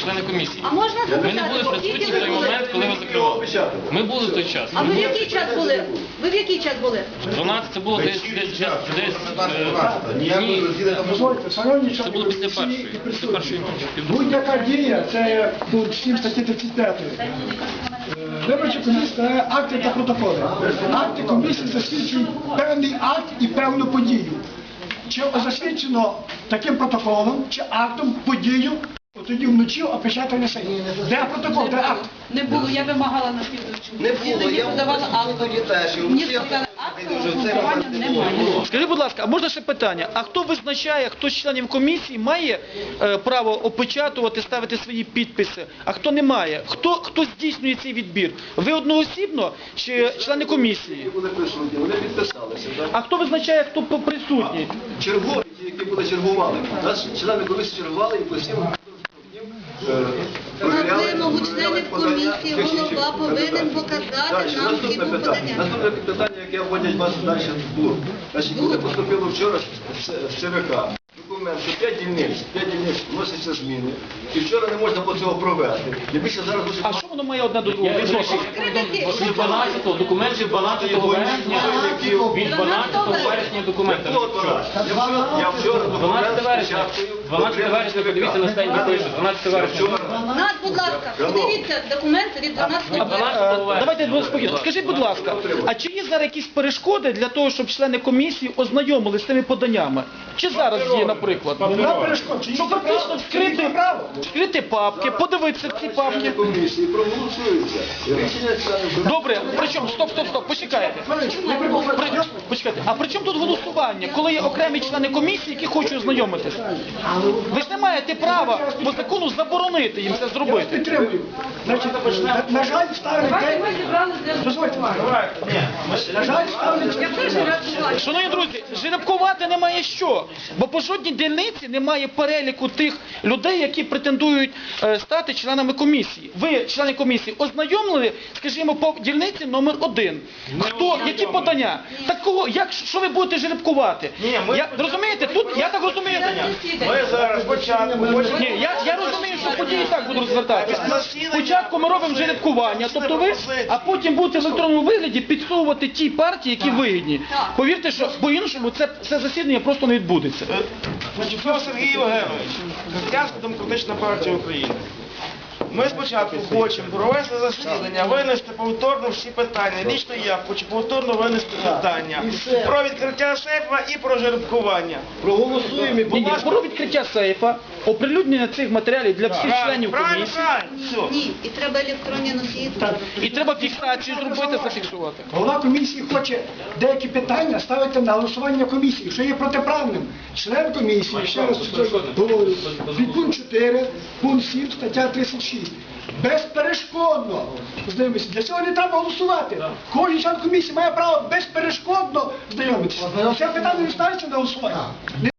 члени комісії. А можна Ми не запитати, були присутні скільки в ви той були? момент, коли ви закривали. Ми були в той час. А ви в який час були? Ви в який час були? 12 це було десь ні, Дозвольте, шановні це члени було після комісії і першої. Після присутні. першої ночі. Будь-яка дія, це пункт 7 статті 35. Виборча комісія складає акти та протоколи. Акти комісії засвідчують певний акт і певну подію. Чи засвідчено таким протоколом, чи актом подію, тоді вночі опечатання сесії. Де протокол, де акт? Не було, я вимагала на слідуючому. Не було, я подавала акт. тоді теж. Мені сказали, акту голосування немає. Скажіть, будь ласка, а можна ще питання? А хто визначає, хто з членів комісії має право опечатувати, ставити свої підписи, а хто не має? Хто здійснює цей відбір? Ви одноосібно чи члени комісії? Вони були присутні, вони підписалися. Так? А хто визначає, хто присутній? Чергові, ті, які були чергували. Нас члени комісії чергували і постійно На вимогу членів комісії голова повинен показати нам всі Наступне питання. подання. Наступне питання, яке вводять вас далі в блок. Значить, буде поступило вчора з ЦВК. Документ, що 5 дільниць вносяться зміни, і вчора не можна було цього провести. І більше зараз дуже А що воно має одне до другого? Від 12-го, документ від 12 вересня, від 12 вересня документ. Я вчора 12 вересня, 12 вересня, подивіться на стенді пише, 12 вересня. Нас, будь ласка, подивіться документ від 12 А 12 вересня. Давайте спокійно. Скажіть, будь ласка, а чи є зараз якісь перешкоди для того, щоб члени комісії ознайомилися з тими поданнями? Чи зараз є, наприклад? Нема перешкод, чи Щоб фактично вскрити папки, подивитися в ці папки. комісії проголосуються. І рішення членів Добре, причому, стоп, почекайте. Почекайте, а при чому тут голосування, коли є окремі члени комісії, які хочуть ознайомитися? Ви ж не маєте права по закону заборонити їм це зробити. підтримую. Значить, на жаль, ставлять день. Дозвольте. На жаль, ставлять. Шановні друзі, жеребкувати немає що, бо по жодній дільниці немає переліку тих людей, які претендують стати членами комісії. Ви, члени комісії, ознайомили, скажімо, по дільниці номер 1. Хто, які подання? Так кого, що ви будете жеребкувати? Розумієте, тут, я так розумію, Ми зараз спочатку хочемо... ні, я розумію, що події так будуть розвертатися. Спочатку ми робимо жеребкування, тобто ви, а потім будете в електронному вигляді підсовувати ті партії, які вигідні. Повірте, що по-іншому це засідання просто не відбудеться. Значить, Сергій Євгенович, Християнська демократична партія України. Ми спочатку хочемо провести засідання, винести повторно всі питання. Лічно я хочу повторно винести питання про відкриття сейфа і про жеребкування. проголосуємо і Ні, про відкриття сейфа, оприлюднення цих матеріалів для всіх членів Правильно, комісії. правильно, все. Ні, і треба електронні носії. І треба фіксацію зробити, зафіксувати. Голова комісії хоче деякі питання ставити на голосування комісії, що є протиправним. Член комісії, ще раз говорю, підпункт 4, пункт 7, стаття 36. Безперешкодно. Знайомитися. Для цього не треба голосувати. Кожен член комісії має право безперешкодно знайомитися. Це питання не ставиться на голосування.